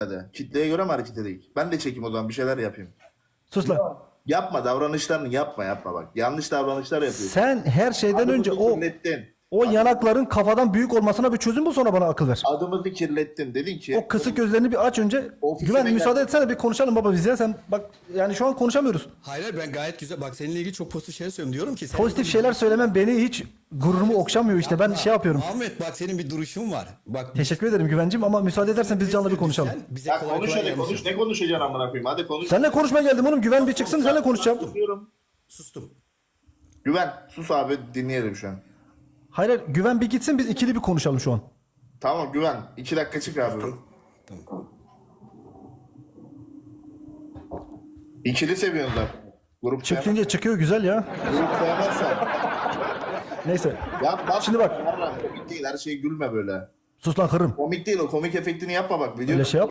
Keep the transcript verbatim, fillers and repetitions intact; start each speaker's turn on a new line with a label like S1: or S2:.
S1: Hadi. Kitleye göre mi hareket edelim? Ben de çekeyim o zaman, bir şeyler yapayım.
S2: Sus lan.
S1: Yapma, davranışlarını yapma yapma bak. Yanlış davranışlar yapıyorsun.
S2: Sen her şeyden
S1: Adımızı
S2: önce o
S1: kirlettin.
S2: o yanakların kafadan büyük olmasına bir çözüm bul, sonra bana akıl ver.
S1: Adımızı kirlettin. Dedin ki
S2: O kısık gözlerini bir aç önce.
S1: Ofisine
S2: Güven
S1: gel.
S2: müsaade etsene bir konuşalım baba biz ya. Sen bak yani şu an konuşamıyoruz.
S3: Hayır hayır, ben gayet güzel. Bak seninle ilgili çok pozitif şeyler söylüyorum. Diyorum ki. sen-
S2: Pozitif şeyler söylemem beni hiç gururumu okşamıyor işte. Ben şey yapıyorum.
S3: Ahmet bak senin bir duruşun var. Bak
S2: Teşekkür ederim Güvencim ama müsaade edersen biz canlı bir konuşalım.
S3: Sen bize
S1: ya
S3: kolay
S1: konuş
S3: kolay
S1: hadi
S3: yanlış
S1: konuş. Ne konuşacaksın amına koyayım? Hadi konuş.
S2: Seninle konuşmaya geldim oğlum. Güven bir çıksın, seninle konuşacağım.
S1: Diyorum.
S3: Sustum.
S1: Güven sus abi, dinleyelim şu an.
S2: Hayır hayır, Güven bir gitsin, biz ikili bir konuşalım şu an.
S1: Tamam Güven. iki dakika çık abi.
S3: Tamam.
S1: İkili seviyorsun zaten. Grup sevmez.
S2: Çıkınca çıkıyor güzel ya.
S1: Grup sevmezsen.
S2: Neyse.
S1: Ya bak.
S2: Şimdi bak.
S1: Yarram, komik değil. Her şeye gülme böyle.
S2: Sus lan kırım.
S1: Komik değil o. Komik efektini yapma bak. Biliyorsun.
S2: Öyle şey yap.